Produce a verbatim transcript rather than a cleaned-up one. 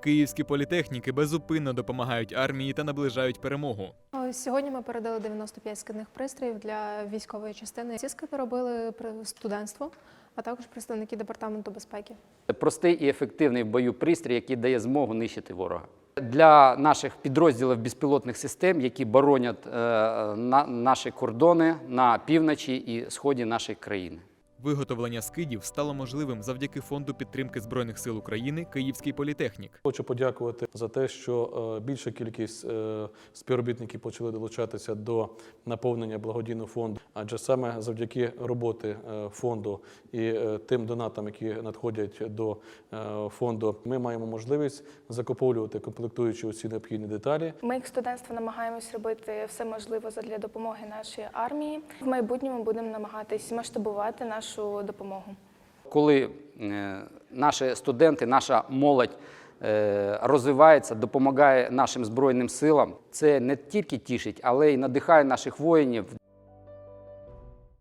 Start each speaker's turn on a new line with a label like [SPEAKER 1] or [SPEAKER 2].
[SPEAKER 1] Київські політехніки безупинно допомагають армії та наближають перемогу.
[SPEAKER 2] Сьогодні ми передали дев'яносто п'ять скидних пристроїв для військової частини. Ці скиди робили студентство, а також представники департаменту безпеки.
[SPEAKER 3] Це простий і ефективний в бою пристрій, який дає змогу нищити ворога. Для наших підрозділів безпілотних систем, які боронять е, на, наші кордони на півночі і сході нашої країни.
[SPEAKER 1] Виготовлення скидів стало можливим завдяки Фонду підтримки Збройних сил України «Київський політехнік».
[SPEAKER 4] Хочу подякувати за те, що більша кількість співробітників почали долучатися до наповнення благодійного фонду. Адже саме завдяки роботи фонду і тим донатам, які надходять до фонду, ми маємо можливість закуповувати комплектуючі усі необхідні деталі.
[SPEAKER 5] Ми, як студентство, намагаємось робити все можливе для допомоги нашій армії. В майбутньому будемо намагатись масштабувати нашу допомогу.
[SPEAKER 3] Коли е, наші студенти, наша молодь е, розвивається, допомагає нашим Збройним силам, це не тільки тішить, але й надихає наших воїнів